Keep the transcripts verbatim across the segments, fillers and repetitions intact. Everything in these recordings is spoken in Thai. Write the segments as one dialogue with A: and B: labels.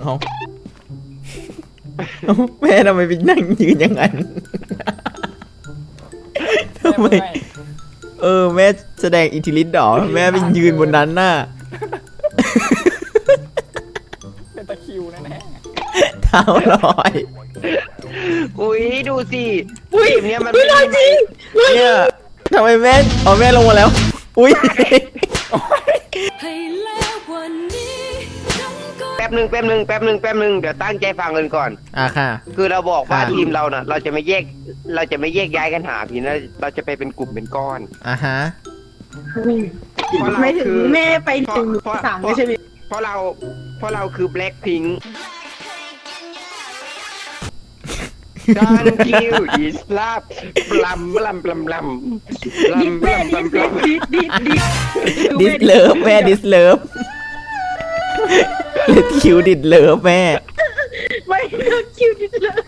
A: เอาเอาแม่ทำไมไปนั่งยืนอย่างนั้นทำไมเออแม่แสดงอิทธิฤทธิ์หรอแม่ไปยืนบนนั้นน่ะ
B: เป็นตะคิวแน่
A: เท้าลอย
C: อุ้ยดูสิอุ้ยเนี่ยมันไม่
A: ลอยจริงเนี่ยทำไมแม่อ๋อแม่ลงมาแล้วอุ้ย
C: แป๊บหนึ่งแป๊บหนึ่งแป๊บหนึ่งแป๊บหนึ่งเดี๋ยวตั้งใจฟังกันก่อน
A: อ่ะค่ะ
C: คือเราบอกว่าทีมเราน่ะเราจะไม่แยกเราจะไม่แยกย้ายกันหาพี่นะเราจะไปเป็นกลุ่มเป็นก้อน
A: อ่ะฮะ
D: ไม่ถึงแม่ไปถึงสามไม่ใช่ไหม
C: เพราะเราเพราะเราคือแบล็คพิงค์การคิวดิสลาบปลัมปลัมปลัมปลัมปลัมปลัมปลัมปลัมดิสดิสดิส
A: ดิสเลิฟแม่ดิสเลิฟเลดคิวดิสเลิฟแม่
D: ไม่คิวดิสเลิฟ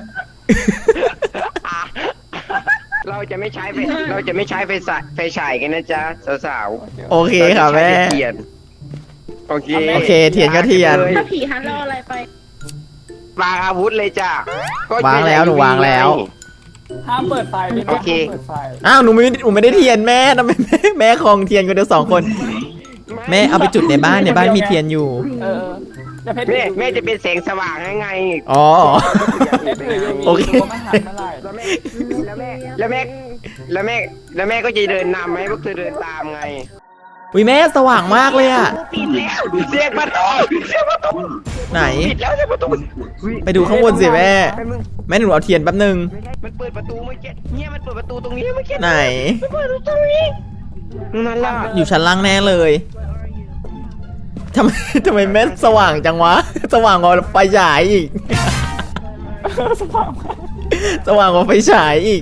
C: เราจะไม่ใช้ไฟเราจะไม่ใช้ไฟฉายไฟฉายกันนะจ๊ะสาว
A: ๆโอเคค่ะแม่
C: โอเค
A: โอเคเทียนก็เทียน
D: ถ้าผีฮันรออะไรไป
C: วางอาวุธเลยจ้ะ
A: วางแล้วหนูวางแล้ว
B: ห้ามเปิดไฟโอเค
A: อ้าวหนูไม่หนูไม่ได้เทียนแม่ทำไมแม่แม่คลองเทียนกันเดียวสองคนแม่เอาไปจุดในบ้านในบ้านมีเทียนอยู่
C: แม่แม่จะเป็นแสงสว่างให้ไง
A: อ๋อโอเค
C: แล้วแม่แล้วแม่แล้วแม่แล้วแม่ก็จะเดินนำให้พวกเธอเดินตามไง
A: อุ้ยแม่สว่างมากเลยอ่ะ
C: ปิดแล้วเสียงประตูเสียงประตู
A: ไหน
C: ปิดแล้วเสียงประตู
A: ไปดูข้างบนสิแม่แม่หนูเอาเทียนแป๊บนึง
C: มันเปิดประตูเมื่อกี้เนี่ยมันเปิดประตูตรงนี้เมื่อกี้
A: ไหน
C: มันเปิดตรงนี้นั่นล่ะ
A: อยู่ชั้นล่างแน่เลยทำไมทำไมแม่สว่างจังวะสว่างกว่าไฟฉายอีกสว่างสว่างกว่าไฟฉายอีก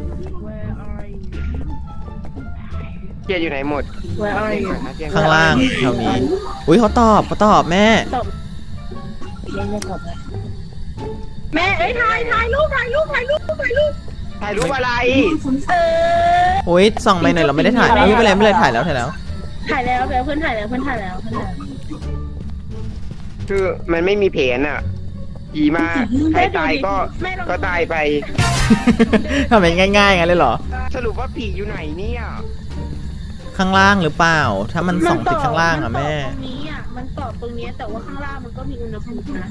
C: เกียร์อยู่ไหนหมด
A: ข้างล่างแถวนี้อุ้ยเขาตอบเขาตอบแม่
D: แม่เอ้ยถ่ายถ่ายรูปถ่ายรูปถ่ายรูปถ่ายรูป
C: ถ่ายรูปอะไร
D: เออ
A: โอ้ยส่องไปหน่อยเราไม่ได้ถ่ายไม่เป็นไรไม่เป็นไรถ่ายแล้วถ่ายแล้ว
D: ถ่ายแล้วแล้วเพื่อนถ่ายแล้วเพื่อนถ่ายแล้วเพื่อนถ่าย
C: คือมันไม่มีเพนอ่ะผีมาใครตายก็ก็ตายไป
A: ทำไมง่ายๆงั้นเลยเหรอ
C: สรุปว่าผีอยู่ไหนเนี่ย
A: ข้างล่างหรือเปล่าถ้ามันส่องติดข้างล่างอ่ะแม่
D: ตรงนี้อ่ะมันตอบตรงนี้แต่ว่าข้างล่างมันก็มีอุณหภูมินะ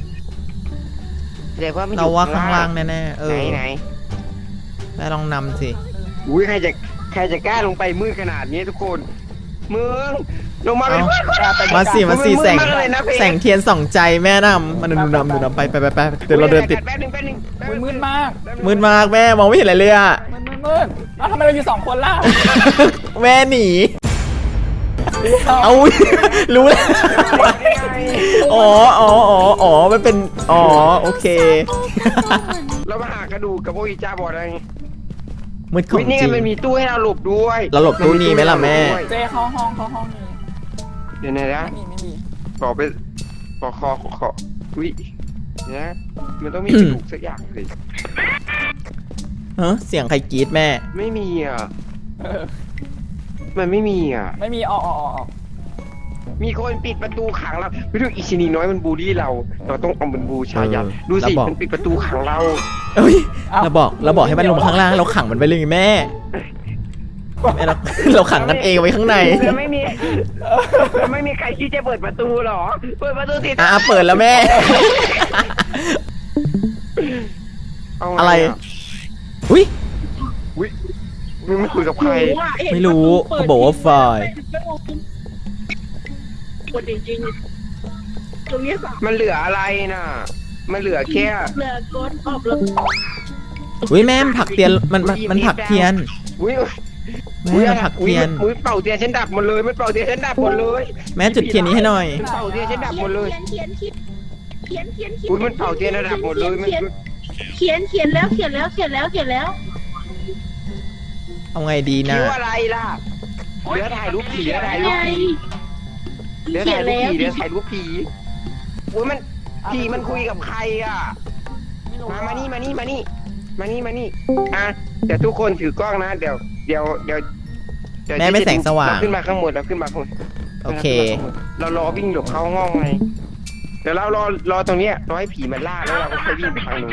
A: เราว่าข้างล่างแน่ๆเออ
C: ไหน
A: แม่ลองนำสิ
C: อุ้ยใครจะใครจะกล้าลงไปมืดขนาดนี้ทุกคนมึงลงมาเป็น
A: มาสิมาสิแสงแสงเทียนส่องใจแม่นำมันดูนำดูนำไปไปไปไปเดี๋ยวเราเดินติด
B: มืดมาก
A: มืดมากแม่มองไม่เห็นอะไรเลยอ่ะ
B: มืดมืดแล้วทำไมเราอยู่สองคนล่ะ
A: แม่หนีเอารู้แล้วอ๋ออ๋ออ๋ออ๋อมันเป็นอ๋อโอเค
C: เรามาหากระดูกกับโออิจาบอดอะไร
A: มืดของจริง
C: นี่มันมีตู้ให้เราหลบด้วย
A: เราหลบตู้นี้ไหมล่ะแม่
B: เจ๊เข้าห้องเข้าห้องนี้
C: เดี๋ยวนะไม่มีไม่มีบอกไปบอกคอคออุ้ยนะมันต้องมีกระดูกสักอย่างเลย
A: เฮ้เสียงใครกรี๊ดแม่
C: ไม่มีอ่ะมันไม่มีอ่ะ
B: ไม่มีออกออกออก
C: มีคนปิดประตูขังเราไม่รู้อิชินีน้อยมันบูลลี่เราเราต้องเอามันบูชายันดูสิมันปิดประตูขังเรา
A: เอ้ยเราบอกเราบอกให้มันลงข้างล่างเราขังมันไปเลยแม่แม่เราเราขังกันเองไว้ข้างใน
C: ไม่มีไม่มีใครที่จะเปิดประตูหรอเปิดประตูสิ
A: อ่ะเปิดแล้วแม่อะไรอุ้ย
C: อุ้ยมึงไม่คุยกับใคร
A: ไม่รู้เขาบอกว่าไฟ
D: จริงๆตรงนี้ส
C: มันเหลืออะไรน่ะมันเหลือแค่
D: เหลือก้นออกแล้ว
A: อุ้ยแม่มันผักเทียนมันมันผักเทียน
C: อุ้ย
A: แม่ผักเทียน
C: อุ้ยเป่าเทียนฉันดับหมดเลยมันเป่าเทียนฉันดับหมดเลย
A: แม่จุดเทียนนี้ให้หน่อย
C: เป่าเทียนฉันดับหมดเลย
D: เขียนเขียนเขียนเขียนเขียน
C: อุ้ยมันเป่าเทียนดับหมดเลยมัน
D: เขียนเขียนแล้วเขียนแล้วเขียนแล้วเขียนแล้ว
A: เอาไงดีนะ
C: คิวอะไรล่ะเดี๋ยวถ่ายรูปผีเดี๋ยวถ่ายรูปผีเดี๋ยวถ่ายรูปผีเดี๋ยวถ่ายรูปผีอุ้ยมันผีมันคุยกับใครอ่ะมามานี่มานี่มานี่มานี่มานี่อ่ะเดี๋ยวทุกคนถือกล้องนะเดี๋ยวเดี๋ยวเดี๋ยว
A: แม่ไม่แสงสว่าง
C: ขึ้นมาข้างบนแล้วขึ้นมาข้างบน
A: โอเค
C: เรารอวิ่งหลบเข้าห้องไงเดี๋ยวเรารอรอตรงเนี้ยรอให้ผีมันล่าแล้วเราก็ค่อยวิ่งไปทางนู้น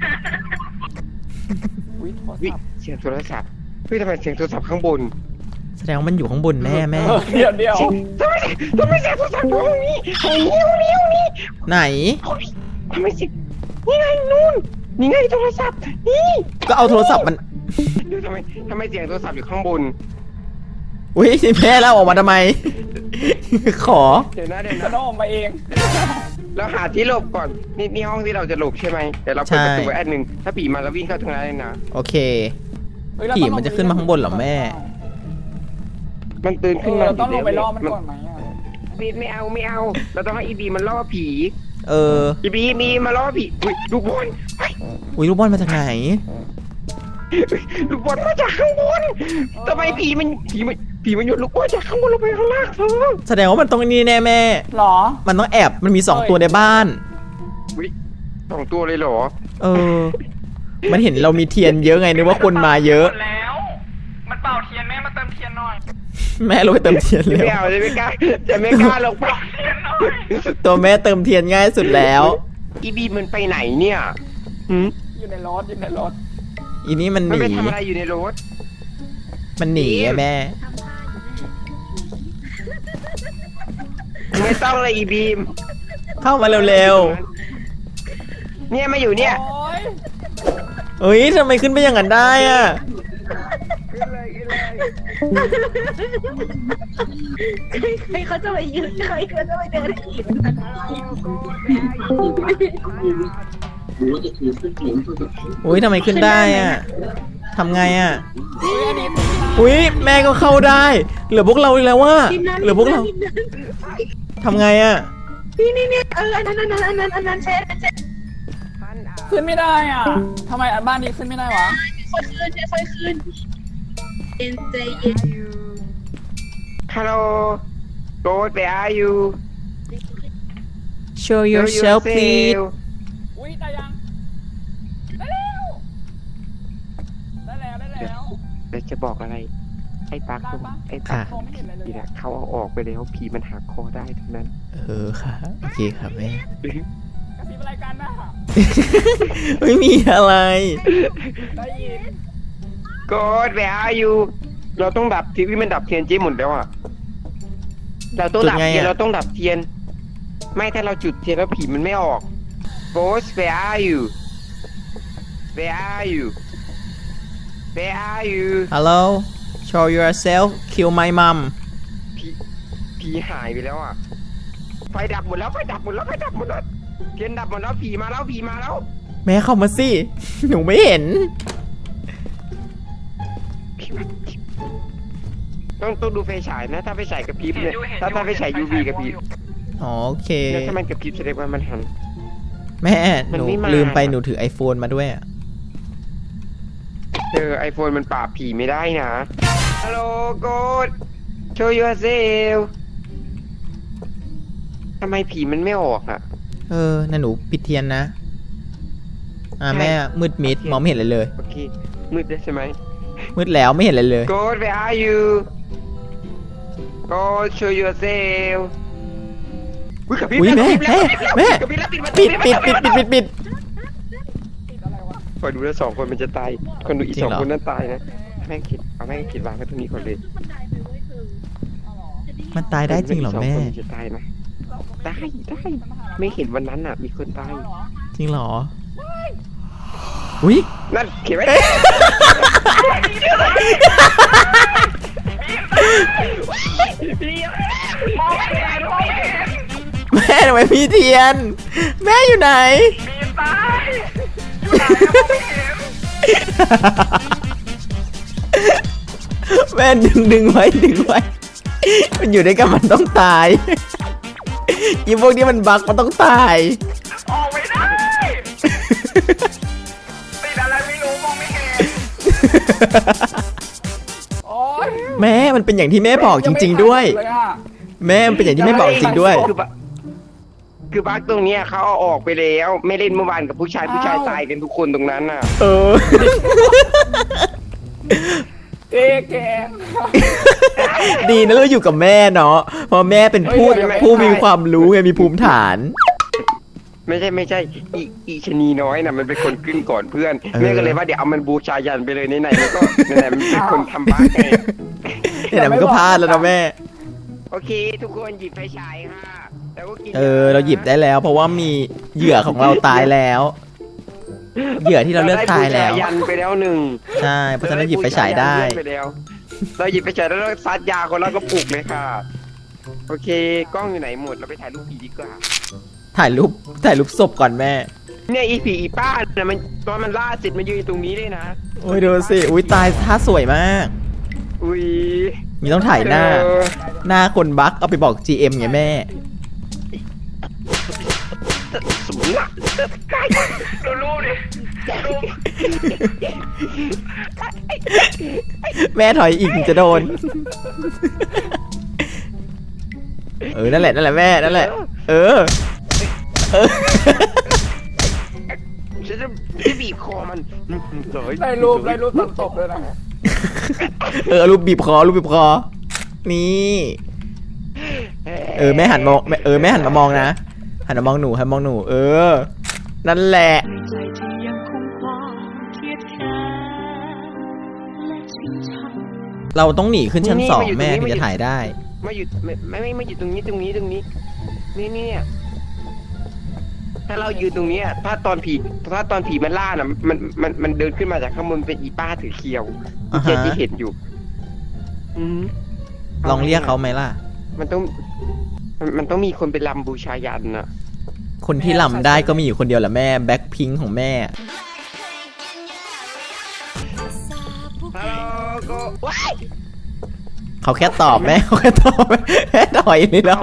B: อุ้ยโทร
C: วิ
B: ศัพท์
C: เสียงโทรศัพท์เฮ้ยทำไมเสียงโทรศัพท์ข้างบน
A: แสดงว่ามันอยู่ข้างบนแม่แม่
B: เออเดี๋ยวเดี๋ยว
C: ทำไมทำไมเสียงโทรศัพท์อยู่ห้องนี้ห้องนี้ห้องนี้ห้องนี้
A: ไหน
C: ห้องนี้ทำไมเสียงนี่ไงนู่นนี่ไงโทรศัพท์นี่
A: ก็เอาโทรศัพท์มัน
C: ดูทำไมทำไมเสียงโทรศัพท์อยู่ข้างบน
A: อุ้ยแม่แล้วออกมาทำไม ขอ
C: เดี๋ยวนะเดี๋ยว
B: กระ
C: นะ
B: โดดมาเอง
C: เราหาที่หลบก่อนนี่นี่ห้องที่เราจะหลบใช่ไหมเดี๋ยวเราเปิดประตูไว้อันหนึ่งถ้าผีมาเราวิ่งเข้าตรงนั้นเลยนะ
A: โอเค
B: เฮ้ยเรา
A: ผี
B: ต้องลง
A: มันจะขึ้นมาข้างบนเหรอแม่
C: มันตื่น
B: เอ
C: ขึ้น
B: อ
C: มา
B: เราต้องลงไปล่อมัน
C: มัน
B: ก่อนไหมอะ
C: บีไม่เอาไม่เอา เราต้องให้อีบีมันล่อผี
A: เออ
C: อีบีมีมาล่อผีอุ้ยลูกบอลเฮ้ย
A: อุ้ยลูกบอลมาจากไหน
C: ลูกบอลมาจากข้างบนทำไมผีมันผีมันผีมันโยนลูกบอลจากข้างบนลงไปข้างล่างเธอ
A: แสดงว่ามันต้องนี่แน่แม่
B: หรอ
A: มันต้องแอบ มันมีสอง
B: เอ้ย
A: ตัวในบ้าน
C: อุ้ยสองตัวเลยเหรอ
A: เออ มันเห็นเรามีเทียนเยอะไงนึกว่าคนมาเยอะ
B: แล้ว มันเป่าเทียนแม่มาเติมเทียนหน่อย
A: แม่เราไปเติมเทียน
C: จะ
A: เร็ว
C: ไม่เอาจะไม่กล้าจะไม่กล้าลงไป
A: ตัวแม่เติมเทียนง่ายสุดแล้ว
C: อีบีมันไปไหนเนี่ยหืม
B: อยู่ในรถอยู่ในรถ
A: อีนี้มันห
C: มัน
A: นี
C: ไปทำอะไรอยู่ในรถ
A: มันหนีอะแม่
C: ไม่ต้องเลยอีบีม
A: เข้ามาเร็ว
C: เนี่ยมาอยู่เนี่ย
B: โอ๊ย
A: ๆเฮ้ยทำไมขึ้นไปอย่างนั้นได้อะ
C: ขึ้นเลยขึ้นเลย
D: ใครเขาจะไปยืนใครเขาจะไปเดินขี่มัน
A: อุ้ยทำไมขึ้นได้อะทำไงอะ
B: อุ๊ยอันนี้
A: อุ้ยแม่ก็เข้าได้ เหลือพวกเราอีกแล้วว่า
D: ทีมนั้น
A: เหลือพวกเราทำไงอะ
D: นี่นี่นี่เอออันนั้นอันนั้นอันนั้นอันนั้นเช็ดเช็ด
B: ขึ้นไม่ได้อ่ะทำไมบ้านนี้ขึ้นไม่ได้วะ
D: ค่อยขึ้นค่อยขึ้นเย็นใจเย็น
C: ฮัลโหล Ghost where are you
A: show yourself please
B: อุ้ยได้ยัง ได้แล้ว ได้แล้วได้แล้ว
C: เดี๋ยวจะบอกอะไร ไอ้ปัก
B: ได้ปะ
C: ไอ้ปั
A: ค่ะ
C: ก
B: มองไม่เห็นอะไรเลย
C: นี่
B: อะ
C: นะเขาเอาออกไปแล้วผีมันหักคอได้ทั้งนั้น
A: เออค่ะ โอเคค่ะแม่
B: กระพริบอะไรกันนะ
A: ไม่มีอะไร
B: ได้ยิน
C: Ghost where are you เราต้องดับทีวีมันดับเทียนเจ๊หมดแล้วอ่ะ เราต้องดับ
A: จุดไงอะ
C: เทียนเราต้องดับเทียน ไม่ถ้าเราจุดเทียนแล้วผีมันไม่ออก Ghost where are you where are you where are you
A: hello show yourself kill my mom
C: ผีผีหายไปแล้วอ่ะ ไฟดับหมดแล้วไฟดับหมดแล้วไฟดับหมดแล้วเทียนดับหมดแล้วผีมาแล้วผีมาแล้ว
A: แม่เข้ามาสิ หนูไม่เห็น
C: ผีมาผีต้องต้องดูไฟฉายนะ ถ้าไฟฉายกระพริบเนี่ยถ้าถ้าไฟฉาย ยู วี กระพริบ
A: อ๋อโอเค
C: แล้วถ้ามันกระพริบแสดงว่ามันหัน
A: แม่
C: มั
A: ห
C: น
A: นู
C: ไม่มา
A: ลืมไปหนูถือ iPhone มาด้วยอะ
C: เออไอโฟนมันปราบผีไม่ได้นะ ฮัลโหลโกด show yourself ทำไมผีมันไม่ออกอ่ะ
A: เออนั่นหนูปิดเทียนนะ อ่า
C: ใช่
A: แม่มืดมิดมองไม่เห็นอะไรเลย
C: โอเค มืดได้ใช่ไหม
A: มืดแล้วไม่เห็นอะไรเลย
C: โกด where are you โกด show yourself อุ๊ยกระพริบ
A: อุ๊ย
C: แล้ว
A: แม่
C: กระพริบแล้ว
A: แม่
C: กระพริบแล้วปิดประตู
A: ปิดปิดปิดปิดปิดปิด
B: ติดอะไรวะ
C: คอยดูแล้วสองคนมันจะตาย คนดูอีก
A: จริง
C: สอง
A: เหรอ
C: คนนั้นตายนะ แม่งคิดเอาแม่งคิดวางไว้ตรงนี้ก่อนเลย
B: เอาเหรอ
A: มันตายได้จริงเหรอแม่
C: กสคนนจะตายนะ ได้ได้ ไม่เห็นวันนั้นอ่ะ มีคนตาย
B: เอาเหรอ
A: จริงเหรอ อุ้ย
C: นั่นเขียนไว้
A: แม่ทำไมพี่เทียน แม่อยู่ไหน แม่ดึงดึงไว้ดึงไว้ มันอยู่ด้วยกันมันต้องตาย อีพวกนี้มันบักมันต้องตาย
B: ออกไม่ได้ ติดอะไรไม่รู้มองไม่เห็น โอ๊ย
A: แม่มันเป็นอย่างที่แม่บอกจริง ๆ ด้วย
B: งไม่ทันเลยอะ
A: แม่มันเป็นอย่างที่แม่บอกจริงด้วย
C: คือบักคือบักตรงเนี้ยเขาเอาออกไปแล้ว ไม่เล่นเมื่อวานกับผู้ชายผู้ชายตายกันทุกคนตรงนั้นน่ะ
A: เออ
B: เอ๊ะแก
A: ดีนะเราอยู่กับแม่เนาะเพราะแม่เป็นผู้
B: เฮ้ยเดี๋ยว
A: ผู้มีความรู้ไงมีภูมิฐาน
C: ไม่ใช่ไม่ใช่อีอีชะนีน้อยน่ะมันเป็นคนขึ้นก่อนเพื่อน
A: เออ
C: แม่ก็เลยว่าเดี๋ยวเอามันบูชายันไปเลยไหนๆมันก็ไหนๆมันเป็นคนทำบ้านไง
A: เนี่ยมันก็พลาดแล้วนะแม่
C: โอเค ทุกคนหยิบไฟฉายค่ะแล้วก็กิน
A: เออ เราหยิบได้แล้ว เพราะว่ามีเหยื่อของเราตายแล้ว เหยื่อที่เราเลือกตายแล้ว
C: เรได้บูชยันไปแล้วหนึ่ง
A: ใช่เพราะฉะนั้นหยิบไฟฉายได้
C: เรบูชยันเพื่อนไปแล้วเราหยิบไฟฉายแล้วเราซัดยาคนแล้วก็ปลุกเลยค่ะโอเคกล้องอยู่ไหนหมดเราไปถ่ายรูปผีดีกว่า
A: ถ่ายรูปถ่ายรูปศพก่อนแม่
C: เนี่ยอีผีอีป้าเนี่ยมันตอนมันล่าเสร็จมันยืนตรงนี้เลยนะ
A: โอ้ยดูสิ อุ้ยตายท่าสวยมาก
C: อุ้ย
A: มีต้องถ่ายหน้า
C: เออ
A: หน้าคนบั๊กเอาไปบอก จี เอ็ม ไงแม่
C: สมนักใกล้ดูรูดิดู
A: แม่ถอยอีกถึงจะโดน เออ นั่นแหละ นั่นแหละแม่ นั่นแหละ เออ เออ
C: ฉันจะจะบีบคอมันสวย
B: ได้รูปได้รูปตอนตบเลยนะ
A: เออเอารูปบีบคอรูปบีบคอ นี่ เออแม่หันมองแม่เออแม่หันมามองนะ หันมามองหนูหันมามองหนู เออ นั่นแหละ
E: ใจที่ยังคงความเครียดแค้นและชิงชัง
A: เราต้องหนีขึ้นชั้นสองแม่ถึงจะถ่ายได้
C: มาอยู่ไม่ไม่ไม่ไม่อยู่ตรงนี้ตรงนี้ตรงนี้ นี่นี่เนี่ยถ้าเรายืนตรงเนี้ยถ้าตอนผีถ้าตอนผีมันล่าน่ะมันมันมันเดินขึ้นมาจากข้างบนเป็นอีป้าถือเคียว
A: อ่าฮะ
C: เจที่เห็นอยู่ อืม
A: ลองเรียกเขาไหมล่ะ
C: มันต้องมันมันต้องมีคนไปลำบูชายันน่ะ
A: คนที่ลำได้ก็มีอยู่คนเดียวแหละแม่ แบ็คพิงของแม่
C: ฮัลโหลก็ว้าย
A: เขาแค่ตอบแม่ เขาแค่ตอบแม่ถอยนี่เหรอ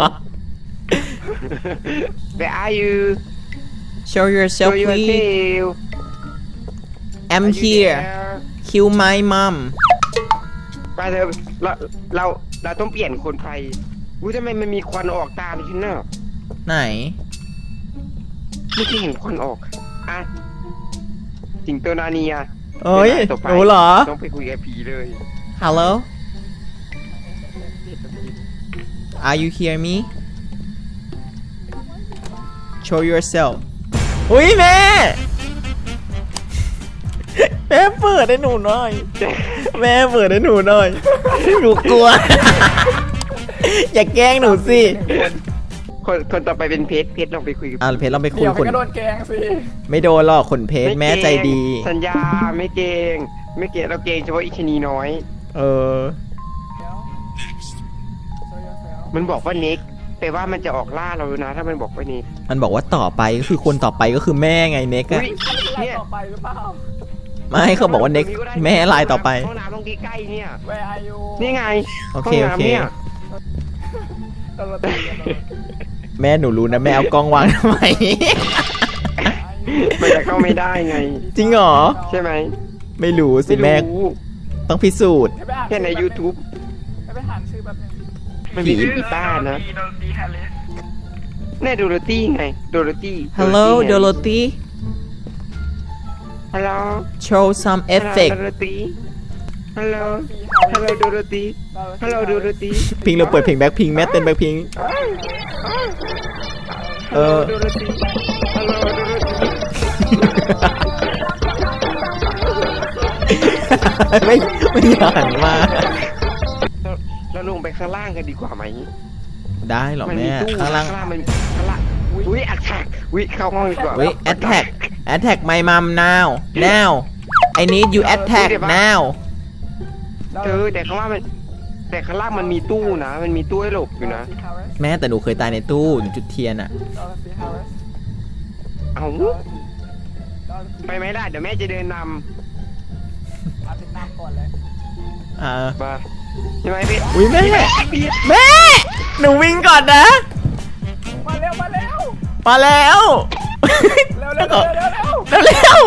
C: Where are you
A: Show yourself
C: Show
A: please
C: yourself
A: I'm
C: Are you
A: here
C: there?
A: Kill my mom
C: ไปเถอะเราเราเราต้องเปลี่ยนคนไปอุ้ยทำไมมันมีควันออกตามฉันน่ะ
A: ไหน
C: ไม่เคยเห็นควันออกอ่ะสิงโตนาเนีย
A: เอ้ย
C: ดี๋วต่อไป
A: หนูเหรอ
C: ต้องไปคุยกับผีเลย
A: Hello Are you hear me Show yourself อุ้ยแม่ แม่เปิดให้หนูหน่อย แม่เปิดให้หนูหน่อย หนูกลัว อย่าแกล้งหนูสิ
C: คนคนต่อไปเป็นเพชรเพชรลองไปคุยกับ
A: อ่ะเพชรเราไปคุ
B: เดี๋
A: ย
B: ยว
A: ค
B: มัน
A: น
B: ก็โดนแกงสิ
A: ไม่โดนหรอกคนเพชรแม่ใจดี
C: สัญญาไม่เกรงไม่เกรงเราเกรงเฉพาะอิชนีน้อย
A: เออ
B: เดี๋ยว show yourself
C: มันบอกว่าเน็กแปลว่ามันจะออกล่าเรานะ ถ้ามันบอกว่าเน็ก
A: มันบอกว่าต่อไปก็คือคนต่อไปก็คือแม่ไงเน็กอะ
C: อุ๊ย
B: ไล่
C: เนี่ย
B: ต่อไปหรือเปล่า
A: ไม่เขาบอกว่าเน็กแม่ลายต่อไป
C: ห้องน้ำตรงใกล้ๆเนี่ย
B: Where are you
C: นี่ไง
A: โอเค
C: ห้ง
A: โอเค
C: น้ำเนี่ย
B: ตลอดตีกันเลย
A: แม่หนูรู้นะแม่เอากล้องวางทำไม
C: มันจะเข้าไม่ได้ไง
A: จริงเหรอ
C: ใช่ไหม
A: ไม่รู้สิ
C: ไม่
A: แม่
C: รู้
A: ต้องพิสูจน์
B: ให้ไปอ่าน
C: แค่ใน YouTube
B: ให้ไปอ่านชื่อแบบนึง
C: มันมีอีป้านะแน่โดโรตี้ไงโดโรตี้
A: Hello Dorothy
C: Hello
A: show some effect
C: โดโรตี้ฮัลโหลฮัลโหลโดโรตี้ฮัลโหลโดโรตี้
A: พิงเราเปิดเพลงแบ็คพิงแม่เต้นแบ็คพิง เออ
C: โดโรตี้ฮัลโหลโดโรตี้
A: ไม่ไม่อยากหันมา
C: เราลงไปข้างล่างกันดีกว่าไหม
A: ได้หรอ
C: มัน
A: แม่
C: มีตู้
A: ข้างล่าง
C: ข้างล่างมันข้างล่างอุ้ยอัดแท็กอุ้ยเข้าห้องดีกว่า
A: เฮ้ย attack attack my mom now now I need you attack now
C: เธอแต่ข้างล่างมันแต่ข้างล่างมันมีตู้นะ มันมีตู้ให้หลบอยู่นะ
A: แม่แต่หนูเคยตายในตู้หนูจุดเทียนอะ
C: เอาไปไหมล่ะเดี๋ยวแม่จะเดินน
B: เอาติดน้ำก่อนเลย
A: อ่า
C: ำมาใช่ไหมพี่
A: อุ้ยแม่
C: พี่
A: แม่ หนูวิ่งก่อนนะ
B: มาเร็วมาเร็ว
A: มาแล้ว
B: เร็วเร็วเร็วเร็วเร็ว
A: เร็วเร็ว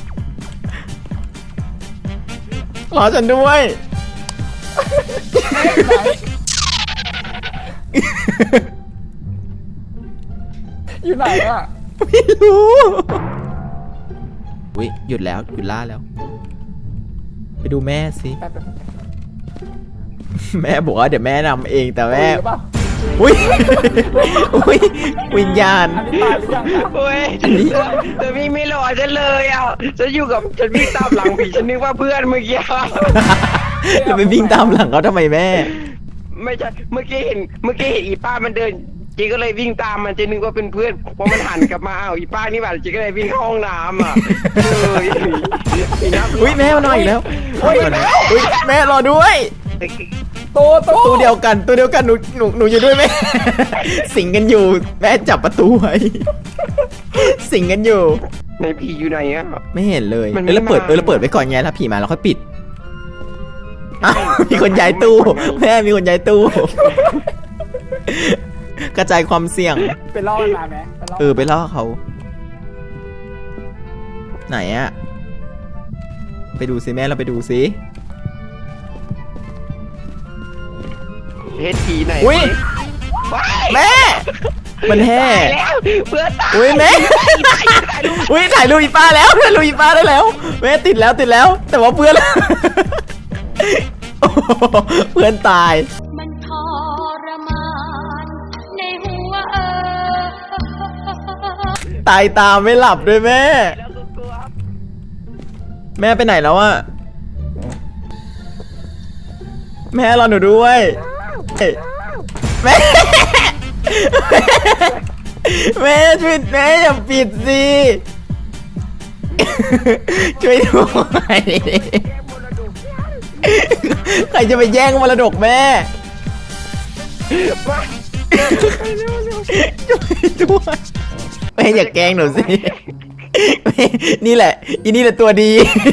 A: รอฉันด้วย
B: อยู่ไหนอ่ะ
A: ไม่รู้อุ้ยหยุดแล้วหยุดล่าแล้ว ไปดูแม่สิ
B: แป๊บ
A: แม่บอกว่าเดี๋ยวแม่นำเองแต่แม่
B: หรือเปล่า
A: อุ้ยอุ้ยวิญญาณ
B: อันนี้ตายหรือยังนะ
C: โอ้ย
A: อันนี้
C: แต่พี่ไม่รอฉันเลยอ่ะฉันอยู่กับฉันวิ่งตามหลังผีฉันนึกว่าเพื่อนเมื่อกี้
A: เราไปวิ่งตามหลังเขาทำไมแม่
C: ไม่ใช่เมื่อกี้เห็นเมื่อกี้เห็นอีป้ามันเดินเจ๊ก็เลยวิ่งตามมันเจ๊นึกว่าเป็นเพื่อนพอมันหันกลับมาอ้าวอีป้านี่หว่าเจ๊ก็เลยวิ่งเข้าห้องน้ำอ่ะเอออีน้ำ
A: อุ้ยแม่มานอนอีกแล้วอุ้ยอุ้ยแม่รอด้วย
B: ตัวตัว
A: ตัวเดียวกันตัวเดียวกันหนูหนูหนูอยู่ด้วยแม่ สิงกันอยู่แม่จับประตูไว้ สิงกันอยู่
C: ในผีอยู่ไหนอ่ะ
A: ไม่เห็นเลย
C: มันไม่
A: เออเราเปิด
C: มา
A: เออเราเปิดไว้ก่อนไงถ้าผีมาเราค่อยปิดอ้าวมีคนย้ายตู้แม่มีคนย้ายตู้ กระจายความเสี่ยง
B: ไปล่อมันมาไหมไปล่อ
A: เออไปล่อเขา ไหนอะไปดูสิแม่เราไปดูสิ
C: เฮ็ดผีไหน
A: อุ้ย
C: ว้าย
A: แม่ มันแห่
C: ตายแล้วเพื่อนตาย
A: อุ้ยแม่ อุ้ยถ่ายรูปอีป้าแล้วถ่ายรูปอีป้าได้แล้วแม่ติดแล้วติดแล้ว แต่ว่าเพื่อน โอ้โหเพื่อนตาย
E: มันทรมานในหัวเออ
A: ตายตามไม่หลับด้วยแม่
C: แล้วตัว
A: แม่ไปไหนแล้วอะแม่รอหนูด้วยแม่ แม่ช่วยแม่อย่าปิดสิ ช่วยด้วยใครจะไปแย่งมรดกแม่ ช่วยด้วยแม่อย่าแกล้งหนูสิแม่นี่แหละอีนี่แหละตัวดี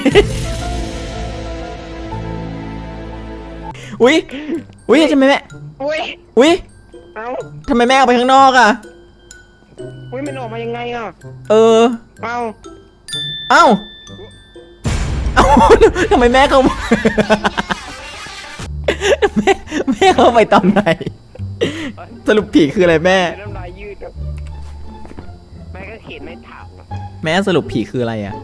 A: อุ้ยอุ้ยทำไมแม่
C: อุ้ย
A: อุ้ย
C: เอ้า
A: ทำไมแม่ออกไปข้างนอกอ่ะ
C: อุ้ยมันออกมายังไงอ่ะ
A: เออ
C: เอ้า
A: เอ้า เอ้า ทำไมแม่เข้ามา แม่แม่เข้าไปตอนไหน สรุปผีคืออะไรแม่
C: น้ำลายยืดอะแม่ก็เขียนไม่ถามอะ
A: แม่สรุปผีคืออะไรอ่ะ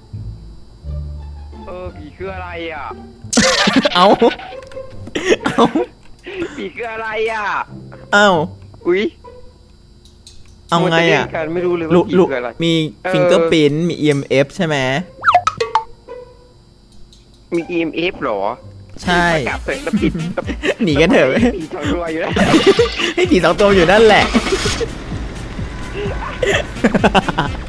C: เออผีคืออะไรอ่ะ
A: เอ้า เอ้า
C: ผีคืออะไรอ่ะ
A: เอ้า
C: อุ้ย
A: เอาไงอ่ะ
C: มันจเล่นกันไม่รู้เลยว่า
A: ลุ
C: ผี
A: ลุ
C: คืออะไร
A: มี
C: เออ
A: ฟิงเกอร์พินมี อี เอ็ม เอฟ ใช่ไหม
C: มี อี เอ็ม เอฟ เหรอ
A: ใช่
C: กลับเถอะแล้วผิด
A: หนีกันเถอะ
C: ผีทำรวยอยู่แล้ว
A: ให้ผีสองตัวอยู่นั่นแหละ